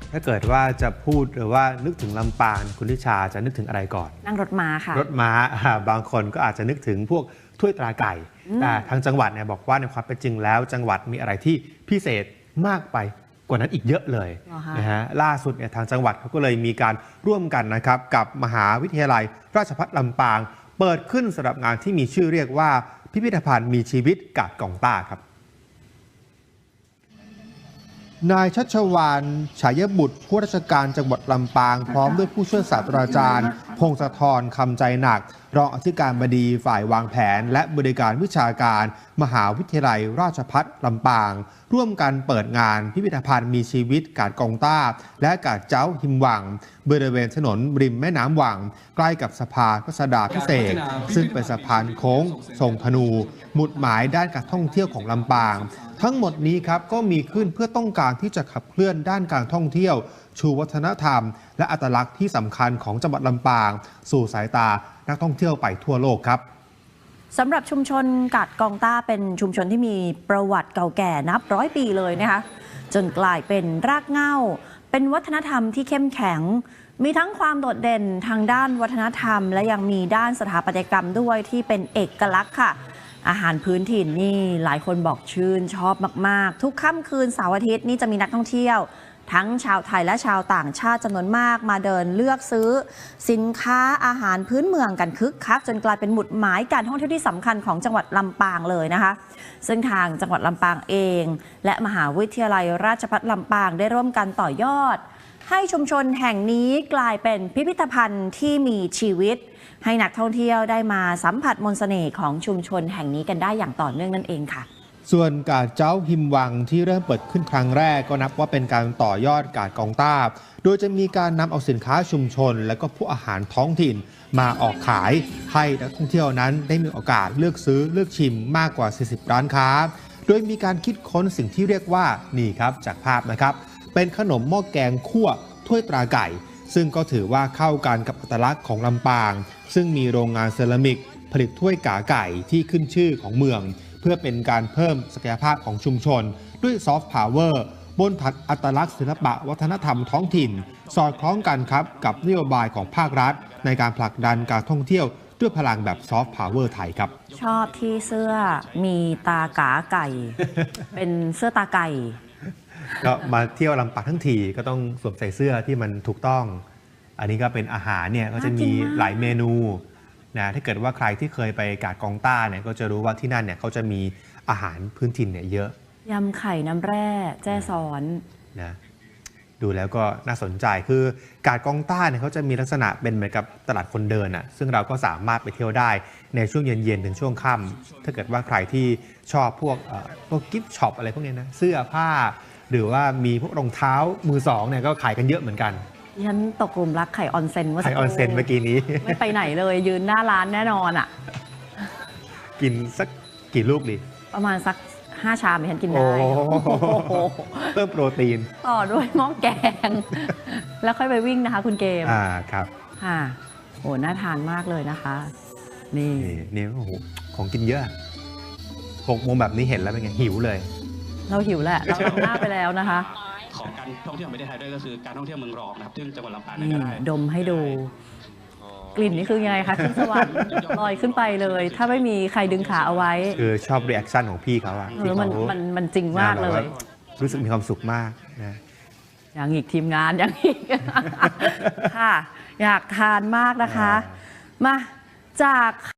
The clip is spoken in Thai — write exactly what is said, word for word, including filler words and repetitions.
ถ้าเกิดว่าจะพูดหรือว่านึกถึงลำปางคุณทิชาจะนึกถึงอะไรก่อนนั่งรถม้าค่ะรถม้าบางคนก็อาจจะนึกถึงพวกถ้วยตราไก่แต่ทางจังหวัดเนี่ยบอกว่าในความเป็นจริงแล้วจังหวัดมีอะไรที่พิเศษมากไปกว่านั้นอีกเยอะเลยนะฮะล่าสุดเนี่ยทางจังหวัดเขาก็เลยมีการร่วมกันนะครับกับมหาวิทยาลัยราชภัฏลำปางเปิดขึ้นสำหรับงานที่มีชื่อเรียกว่าพิพิธภัณฑ์มีชีวิตกาดกองต้าครับนายชัชวาลฉายบุตรผู้ราชการจังหวัดลำปางพร้อมด้วยผู้ช่วยศาสตราจารย์พงศธรคำใจหนักรองอธิการบดีฝ่ายวางแผนและบริการวิชาการมหาวิทยาลัยราชภัฏลำปางร่วมกันเปิดงานพิพิธภัณฑ์มีชีวิตกาดกองต้าและกาดเจ้าหิมหวังบริเวณถนนริมแม่น้ำหวังใกล้กับสะพานรัชดาพิเศษซึ่งเป็นสะพานโค้งทรงธนูหมุดหมายด้านการท่องเที่ยวของลำปางทั้งหมดนี้ครับก็มีขึ้นเพื่อต้องการที่จะขับเคลื่อนด้านการท่องเที่ยวชูวัฒนธรรมและอัตลักษณ์ที่สำคัญของจังหวัดลำปางสู่สายตานักท่องเที่ยวไปทั่วโลกครับสำหรับชุมชนกาดกองต้าเป็นชุมชนที่มีประวัติเก่าแก่นับร้อยปีเลยนะคะจนกลายเป็นรากเหง้าเป็นวัฒนธรรมที่เข้มแข็งมีทั้งความโดดเด่นทางด้านวัฒนธรรมและยังมีด้านสถาปัตยกรรมด้วยที่เป็นเอกลักษณ์ค่ะอาหารพื้นถิ่นนี่หลายคนบอกชื่นชอบมากๆทุกค่ำคืนเสาร์อาทิตย์นี่จะมีนักท่องเที่ยวทั้งชาวไทยและชาวต่างชาติจำนวนมากมาเดินเลือกซื้อสินค้าอาหารพื้นเมืองกันคึกคักจนกลายเป็นหมุดหมายการท่องเที่ยวที่สำคัญของจังหวัดลำปางเลยนะคะซึ่งทางจังหวัดลำปางเองและมหาวิทยาลัยราชภัฏลำปางได้ร่วมกันต่อยอดให้ชุมชนแห่งนี้กลายเป็นพิพิธภัณฑ์ที่มีชีวิตให้นักท่องเที่ยวได้มาสัมผัสมนต์เสน่ห์ของชุมชนแห่งนี้กันได้อย่างต่อเนื่องนั่นเองค่ะส่วนกาดเจ้าหิมวังที่เริ่มเปิดขึ้นครั้งแรกก็นับว่าเป็นการต่อยอดกาดกองต้าโดยจะมีการนำเอาสินค้าชุมชนและก็ผู้อาหารท้องถิ่นมาออกขายให้นักท่องเที่ยวนั้นได้มีโอกาสเลือกซื้อเลือกชิมมากกว่าสี่สิบร้านค้าโดยมีการคิดค้นสิ่งที่เรียกว่านี่ครับจากภาพนะครับเป็นขนมหม้อแกงคั่วถ้วยตราไก่ซึ่งก็ถือว่าเข้ากันกับอัตลักษณ์ของลำปางซึ่งมีโรงงานเซรามิกผลิตถ้วยกาไก่ที่ขึ้นชื่อของเมืองเพื่อเป็นการเพิ่มศักยภาพของชุมชนด้วยซอฟต์พาวเวอร์บนผัดอัตลักษณ์ศิลปะวัฒนธรรมท้องถิ่นสอดคล้องกันครับกับนโยบายของภาครัฐในการผลักดันการท่องเที่ยวด้วยพลังแบบซอฟต์พาวเวอร์ไทยครับชอบที่เสื้อมีตากาไก่ เป็นเสื้อตาไก่ก็มาเที่ยวลำปางทั้งทีก็ต้องสวมใส่เสื้อที่มันถูกต้องอันนี้ก็เป็นอาหารเนี่ยก็จะมีหลายเมนูนะถ้าเกิดว่าใครที่เคยไปกาดกองต้าเนี่ยก็จะรู้ว่าที่นั่นเนี่ยเขาจะมีอาหารพื้นถิ่นเนี่ยเยอะยำไข่น้ำแร่แจ้ซ้อนนะดูแล้วก็น่าสนใจคือกาดกองต้าเนี่ยเขาจะมีลักษณะเป็นเหมือนกับตลาดคนเดินอ่ะซึ่งเราก็สามารถไปเที่ยวได้ในช่วงเย็นๆถึงช่วงค่ำถ้าเกิดว่าใครที่ชอบพวกพวกกิฟต์ช็อปอะไรพวกนี้นะเสื้อผ้าหรือว่ามีพวกรองเท้ามือสองเนี่ยก็ขายกันเยอะเหมือนกันฉันตกกลุ่มรักไข่ออนเซ็นเมื่อไข่ออนเซ็นเมื่อกี้นี้ไม่ไปไหนเลยยืนหน้าร้านแน่นอนอ่ะกินสักกี่ลูกดีประมาณสักห้าชามฉันกินได้เพิ่มโปรตีนต่อด้วยหม้อแกงแล้วค่อยไปวิ่งนะคะคุณเกมอ่าครับค่ะโอ้น่าทานมากเลยนะคะนี่นี่โอ้โหของกินเยอะหกโมงแบบนี้เห็นแล้วเป็นไงหิวเลยเราหิวแหละเราลงหน้าไปแล้วนะคะของการท่องเที่ยวประเทศไทยด้วยก็คือการท่องเที่ยวเมืองรองนะครับซึ่งจังหวัดลำปางนี่ก็ได้ดมให้ดูกลิ่นนี่คือยังไงคะขึ้นสวรรค์ลอยขึ้นไปเลยถ้าไม่มีใครดึงขาเอาไว้คือชอบรีแอคชั่นของพี่เขาอะเออมันมันมันจริงมากเลยรู้สึกมีความสุขมากนะอย่างอีกทีมงานอย่างอีกค่ะอยากทานมากนะคะมาจาก